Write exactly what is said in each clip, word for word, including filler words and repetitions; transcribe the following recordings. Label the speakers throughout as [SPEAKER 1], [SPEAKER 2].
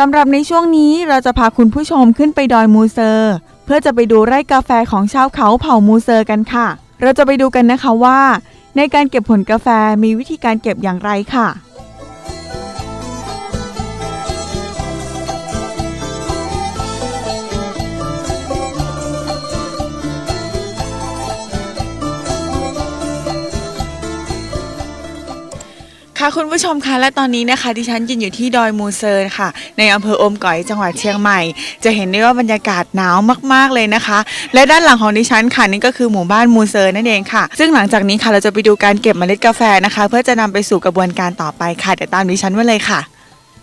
[SPEAKER 1] สำหรับในช่วงนี้เราจะพาคุณผู้ชมขึ้นไปดอยมูเซอร์เพื่อจะไปดูไร่กาแฟของชาวเขาเผ่ามูเซอร์กันค่ะเราจะไปดูกันนะคะว่าในการเก็บผลกาแฟมีวิธีการเก็บอย่างไรค่ะค่ะคุณผู้ชมคะและตอนนี้นะคะดิฉันยืนอยู่ที่ดอยมูเซอร์ค่ะในอำเภออมก๋อยจังหวัดเชียงใหม่จะเห็นได้ว่าบรรยากาศหนาวมากๆเลยนะคะและด้านหลังของดิฉันค่ะนี่ก็คือหมู่บ้านมูเซอร์นั่นเองค่ะซึ่งหลังจากนี้ค่ะเราจะไปดูการเก็บเมล็ดกาแฟนะคะเพื่อจะนำไปสู่กระบวนการต่อไปค่ะเดี๋ยวตามดิฉันมาเลยค่ะ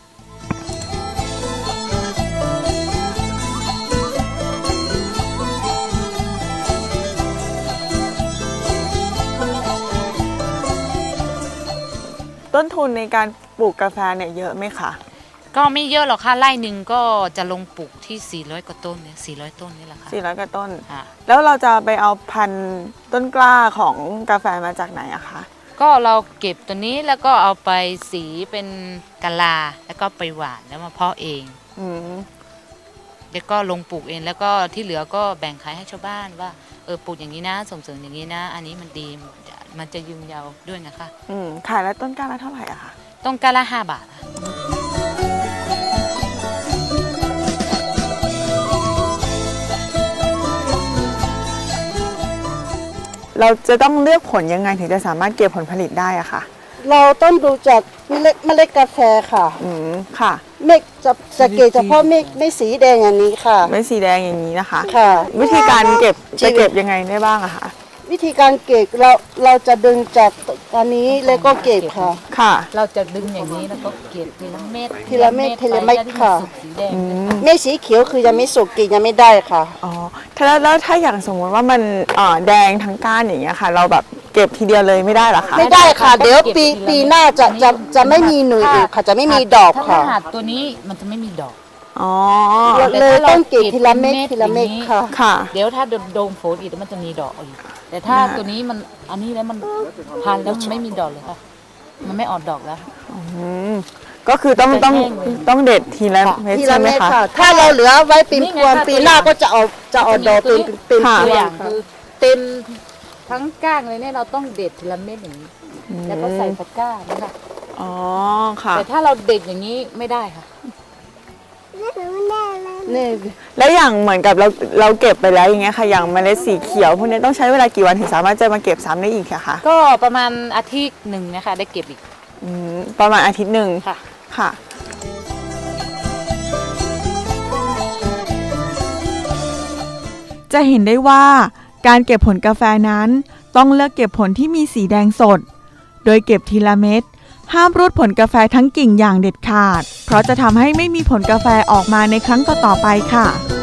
[SPEAKER 1] ต้นทุนในการปลูกกาแฟเนี่ยเยอะไหมคะ
[SPEAKER 2] ก็ไม่เยอะหรอกค่ะไร่หนึ่งก็จะลงปลูกที่สี่ร้อยกว่าต้นเนี่ยสี่ร้อยต้นนี่แหละค่ะ
[SPEAKER 1] สี่ร้อยกว่าต้น
[SPEAKER 2] ค่ะ
[SPEAKER 1] แล้วเราจะไปเอาพันธุ์ต้นกล้าของกาแฟมาจากไหนอะคะ
[SPEAKER 2] ก็เราเก็บตัวนี้แล้วก็เอาไปสีเป็นกะลาแล้วก็ไปหว่านแล้วมาเพาะเอง
[SPEAKER 1] อืม
[SPEAKER 2] แล้วก็ลงปลูกเองแล้วก็ที่เหลือก็แบ่งขายให้ชาวบ้านว่าเออปลูกอย่างนี้นะส่งเสริมอย่างนี้นะอันนี้มันดีมันจะยืนยาวด้วยนะคะ
[SPEAKER 1] อืมขายแล้วต้นกล้าละเท่าไหร่อะคะ
[SPEAKER 2] ต้นกล้าละห้าบาท
[SPEAKER 1] เราจะต้องเลือกผลยังไงถึงจะสามารถเก็บผลผลิตได้อะค่ะ
[SPEAKER 3] เราต้องดูจากเมล็ดเมล็ดกาแฟค่ะ
[SPEAKER 1] อืมค่ะ
[SPEAKER 3] เมฆจะจะเกตเฉพาะเมฆไม่สีแดงอย่างนี้ค่ะ
[SPEAKER 1] ไม่สีแดงอย่างนี้นะคะ
[SPEAKER 3] ค่ะ
[SPEAKER 1] วิธีการเก็บจะเก็บยังไงได้บ้างอะคะ
[SPEAKER 3] วิธีการเก็บเราเราจะดึงจากอันนี้แล้วก็เก็บค่ะ
[SPEAKER 1] ค่ะ
[SPEAKER 2] เราจะดึงอย่างนี้แล้วก็เก็บทีละเม็ด
[SPEAKER 3] ทีละเม็ดทีละเม็ดค่ะเม็ดสีเขียวคือยังไม่สุกกินยังไม่ได้ค่ะ
[SPEAKER 1] อ๋อแล้วแล้วถ้าอย่างสมมติว่ามันเอ่อแดงทั้งก้านอย่างเงี้ยค่ะเราแบบเก็บทีเดียวเลยไม่ได้หรอคะ
[SPEAKER 3] ไม่ได้ค่ะเดี๋ยวปีปีหน้าจะจะจะไม่มีหน่วยอีกค่ะจะไม่มีดอกค่ะ
[SPEAKER 2] ถ้าหัดตัวนี้มันจะไม่มีดอก
[SPEAKER 1] อ๋อ
[SPEAKER 3] เลยต้องเก็บทีละเม็ดทีละเม็ดค่ะ
[SPEAKER 1] ค่ะ
[SPEAKER 2] เดี๋ยวถ้าโดนฝนอีกมันจะมีดอกอีกแต่ถ้าตัวนี้มันอันนี้แล้วมันพันแล้วมันไม่มีดอกเลยค่ะมันไม่ออกดอกแล้ว
[SPEAKER 1] อืมก็คือต้องต้องต้องเด็ดทีละเม็ดใช่ไหมคะ
[SPEAKER 3] ถ้าเราเหลือไว้ปีพวงปีหน้าก็จะเอาจะเอาดอกเป็นเป็น
[SPEAKER 2] ตัวอย่างคือเต็มทั้งก้างเลยเนี่ยเราต้องเด็ดทีละเม็ดอย่างนี้แล้วก็ใส่ตะกร้านะคะ
[SPEAKER 1] อ๋อค่ะ
[SPEAKER 2] แต่ถ้าเราเด็ดอย่างนี้ไม่ได้ค่ะ
[SPEAKER 1] นี่แล้วอย่างเหมือนกับเราเราเก็บไปแล้วอย่างเงี้ยค่ะอย่างเมล็ดสีเขียวพวกนี้ต้องใช้เวลากี่วันถึงสามารถจะมาเก็บซ้ำได้อีกคะ
[SPEAKER 2] ก็ประมาณอาทิตย์หนึ่งนะคะได้เก็บอีก
[SPEAKER 1] อืมประมาณอาทิตย์หนึ่ง
[SPEAKER 2] ค่ะ
[SPEAKER 1] ค่ะจะเห็นได้ว่าการเก็บผลกาแฟนั้นต้องเลือกเก็บผลที่มีสีแดงสดโดยเก็บทีละเม็ดห้ามรูดผลกาแฟทั้งกิ่งอย่างเด็ดขาดเพราะจะทำให้ไม่มีผลกาแฟออกมาในครั้งต่อๆไปค่ะ